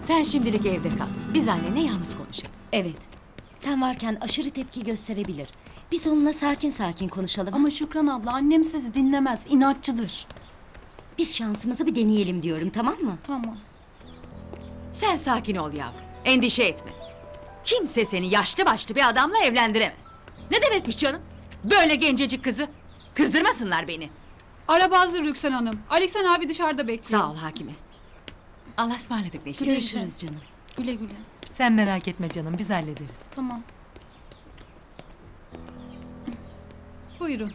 Sen şimdilik evde kal. Biz annenle yalnız konuşalım. Evet. Sen varken aşırı tepki gösterebilir. Biz onunla sakin sakin konuşalım. Ama Şükran abla annem sizi dinlemez, inatçıdır. biz şansımızı bir deneyelim diyorum, tamam mı? Tamam. Sen sakin ol yavrum. Endişe etme. Kimse seni yaşlı başlı bir adamla evlendiremez. Ne demekmiş canım? Böyle gencecik kızı. Kızdırmasınlar beni. Araba hazır Rüksan Hanım. Aleksan abi dışarıda bekliyor. Sağ ol hakime. Allah'a ısmarladık Neşe. Görüşürüz canım. Güle güle. Sen merak etme canım, biz hallederiz. Tamam. Buyurun.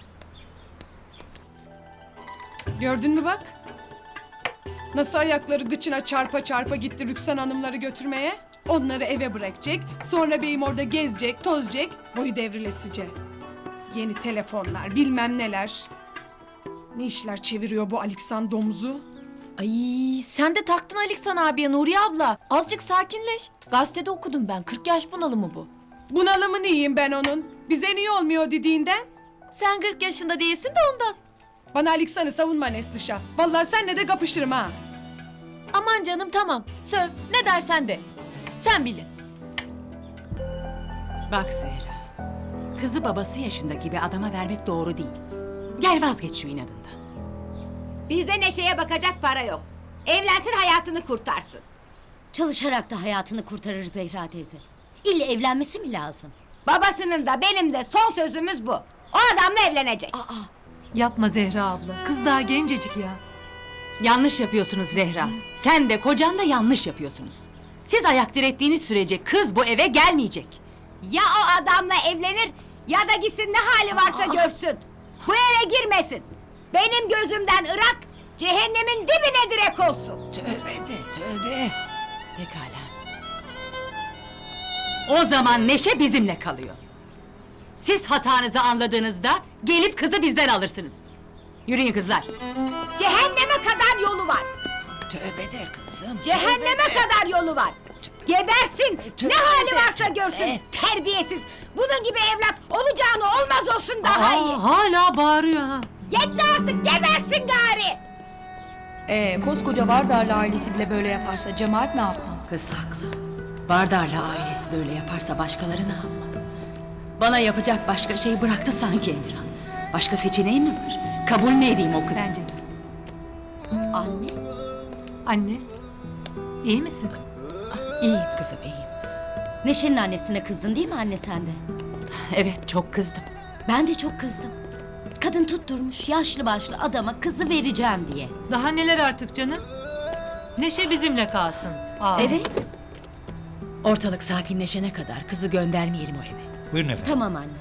Gördün mü bak? Nasıl ayakları gıçına çarpa çarpa gitti Rüksan Hanımları götürmeye? Onları eve bırakacak, sonra beyim orada gezecek, tozacak, boyu devrilesice. Yeni telefonlar, bilmem neler. Ne işler çeviriyor bu Aleksan domuzu? Ay sen de taktın Aleksan abiye Nuriye abla. Azıcık sakinleş. Gazetede okudum ben. 40 yaş bunalımı bu. Bunalımı neyim ben onun? Bize niye olmuyor dediğinden? Sen 40 yaşında değilsin de ondan. Bana Aleksan'ı savunma Neslişah. Vallahi senle de kapışırım ha. Aman canım tamam. Söv ne dersen de. Sen bilin. Bak Zehra. Kızı babası yaşındaki bir adama vermek doğru değil. Gel vazgeç şu inadından. Bizde Neşe'ye bakacak para yok. Evlensin hayatını kurtarsın. Çalışarak da hayatını kurtarır Zehra teyze. İlle evlenmesi mi lazım? Babasının da benim de son sözümüz bu. O adamla evlenecek. Yapma Zehra abla, kız daha gencecik ya. Yanlış yapıyorsunuz Zehra. Sen de kocan da yanlış yapıyorsunuz. Siz ayak direttiğiniz sürece kız bu eve gelmeyecek. Ya o adamla evlenir ya da gitsin ne hali varsa görsün. Bu eve girmesin. Benim gözümden Irak cehennemin dibine direk olsun. Tövbe de tövbe. Pekala. O zaman Neşe bizimle kalıyor. Siz hatanızı anladığınızda gelip kızı bizden alırsınız. Yürüyün kızlar. Cehenneme kadar yolu var. Tövbe de kızım. Cehenneme kadar yolu var. Gebersin. Ne hali varsa görsün. Terbiyesiz. Bunun gibi evlat olacağını olmaz olsun daha iyi. Hala bağırıyor ha. Yetti artık gebersin gari. Koskoca Vardarlı ailesi bile böyle yaparsa cemaat ne yapmaz? Kız haklı. Bardarlı ailesi böyle yaparsa başkaları ne yapmaz? Bana yapacak başka şey bıraktı sanki Emirhan. Başka seçeneğim mi var? Kabul mü edeyim o kızı? Bence de. Anne, Anne, iyi misin? İyiyim kızım iyiyim. Neşe'nin annesine kızdın değil mi anne sen de? Evet çok kızdım. Ben de çok kızdım. Kadın tutturmuş yaşlı başlı adama kızı vereceğim diye. Daha neler artık canım? Neşe bizimle kalsın. Aa. Evet, Ortalık sakinleşene kadar kızı göndermeyelim o eve. Buyurun efendim. tamam anne.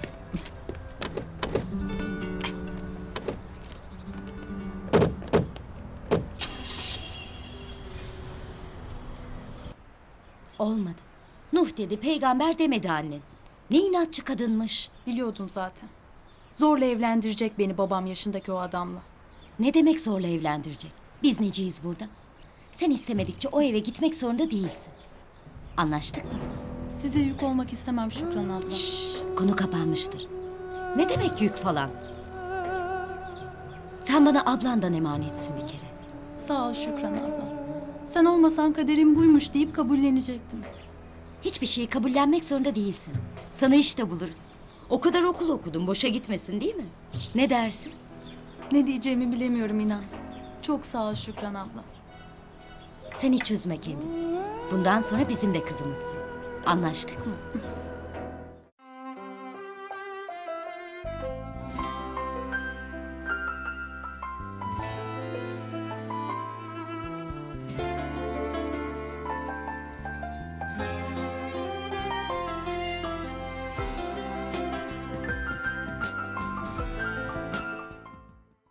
Olmadı. Nuh dedi, peygamber demedi annen. Ne inatçı kadınmış. Biliyordum zaten. Zorla evlendirecek beni babam yaşındaki o adamla. Ne demek zorla evlendirecek? Biz neciyiz burada? Sen istemedikçe o eve gitmek zorunda değilsin. Anlaştık mı? Size yük olmak istemem Şükran abla. Konu kapanmıştır. Ne demek yük falan? Sen bana ablandan emanetsin bir kere. Sağ ol Şükran abla. Sen olmasan kaderim buymuş deyip kabullenecektim. Hiçbir şeyi kabullenmek zorunda değilsin. Sana iş de buluruz. O kadar okul okudun, boşa gitmesin değil mi? Ne dersin? Ne diyeceğimi bilemiyorum inan. Çok sağ ol Şükran abla. Sen hiç üzme kendini. Bundan sonra bizim de kızımızsın. Anlaştık mı?